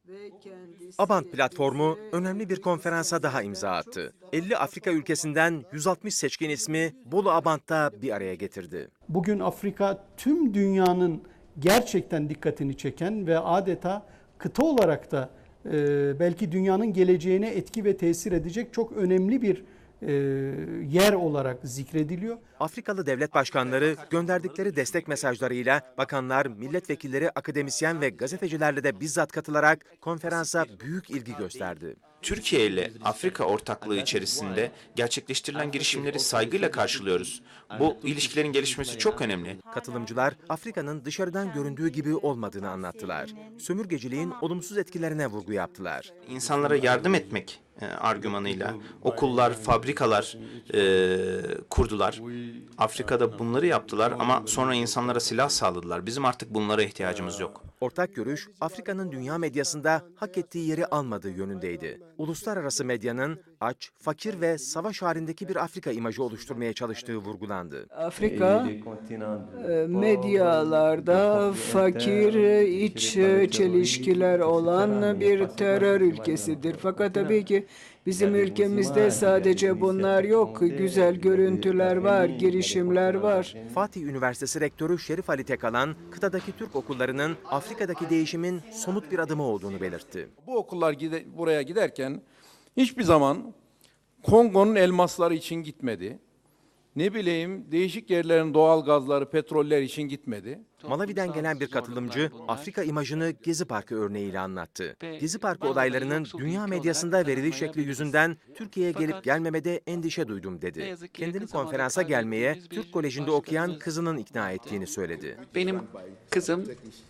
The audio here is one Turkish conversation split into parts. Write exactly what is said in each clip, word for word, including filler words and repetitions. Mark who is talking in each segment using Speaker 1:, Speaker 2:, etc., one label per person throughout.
Speaker 1: Abant platformu önemli bir konferansa daha imza attı. elli Afrika ülkesinden yüz altmış seçkin ismi Bolu Abant'ta bir araya getirdi.
Speaker 2: Bugün Afrika tüm dünyanın gerçekten dikkatini çeken ve adeta kıta olarak da e, belki dünyanın geleceğine etki ve tesir edecek çok önemli bir e, yer olarak zikrediliyor.
Speaker 1: Afrikalı devlet başkanları gönderdikleri destek mesajlarıyla bakanlar, milletvekilleri, akademisyen ve gazetecilerle de bizzat katılarak konferansa büyük ilgi gösterdi.
Speaker 3: Türkiye ile Afrika ortaklığı içerisinde gerçekleştirilen girişimleri saygıyla karşılıyoruz. Bu ilişkilerin gelişmesi çok önemli.
Speaker 1: Katılımcılar Afrika'nın dışarıdan göründüğü gibi olmadığını anlattılar. Sömürgeciliğin olumsuz etkilerine vurgu yaptılar.
Speaker 3: İnsanlara yardım etmek e, argümanıyla okullar, fabrikalar e, kurdular. Afrika'da bunları yaptılar ama sonra insanlara silah sağladılar. Bizim artık bunlara ihtiyacımız yok.
Speaker 1: Ortak görüş, Afrika'nın dünya medyasında hak ettiği yeri almadığı yönündeydi. Uluslararası medyanın aç, fakir ve savaş halindeki bir Afrika imajı oluşturmaya çalıştığı vurgulandı.
Speaker 4: Afrika e, medyalarda fakir, iç çelişkiler olan bir terör ülkesidir. Fakat tabii ki bizim ülkemizde sadece bunlar yok. Güzel görüntüler var, girişimler var.
Speaker 1: Fatih Üniversitesi Rektörü Şerif Ali Tekalan, kıtadaki Türk okullarının Afrika'daki değişimin somut bir adımı olduğunu belirtti.
Speaker 5: Bu okullar gide, buraya giderken hiçbir zaman Kongo'nun elmasları için gitmedi. Ne bileyim değişik yerlerin doğal gazları, petroller için gitmedi.
Speaker 1: Malawi'den gelen bir katılımcı Afrika imajını Gezi Parkı örneğiyle anlattı. Gezi Parkı olaylarının dünya medyasında veriliş şekli yüzünden Türkiye'ye gelip gelmemede endişe duydum dedi. Kendini konferansa gelmeye Türk Koleji'nde okuyan kızının ikna ettiğini söyledi.
Speaker 6: Benim kızım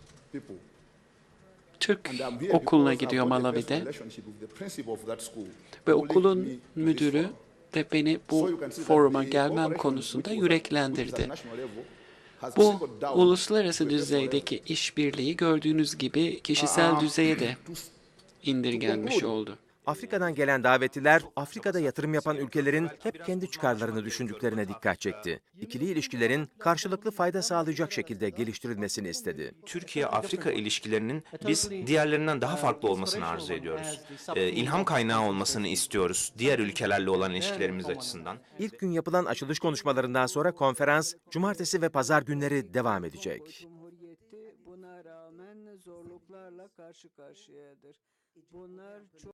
Speaker 6: Türk okuluna gidiyor Malawi'de ve okulun müdürü de beni bu foruma gelmem konusunda yüreklendirdi. Bu uluslararası düzeydeki işbirliği gördüğünüz gibi kişisel düzeye de indirgenmiş oldu.
Speaker 1: Afrika'dan gelen davetliler, Afrika'da yatırım yapan ülkelerin hep kendi çıkarlarını düşündüklerine dikkat çekti. İkili ilişkilerin karşılıklı fayda sağlayacak şekilde geliştirilmesini istedi.
Speaker 3: Türkiye-Afrika ilişkilerinin biz diğerlerinden daha farklı olmasını arzu ediyoruz. Ee, ilham kaynağı olmasını istiyoruz diğer ülkelerle olan ilişkilerimiz açısından.
Speaker 1: İlk gün yapılan açılış konuşmalarından sonra konferans, cumartesi ve pazar günleri devam edecek.
Speaker 4: Cumhuriyeti buna rağmen zorluklarla karşı karşıyadır. Bunlar çok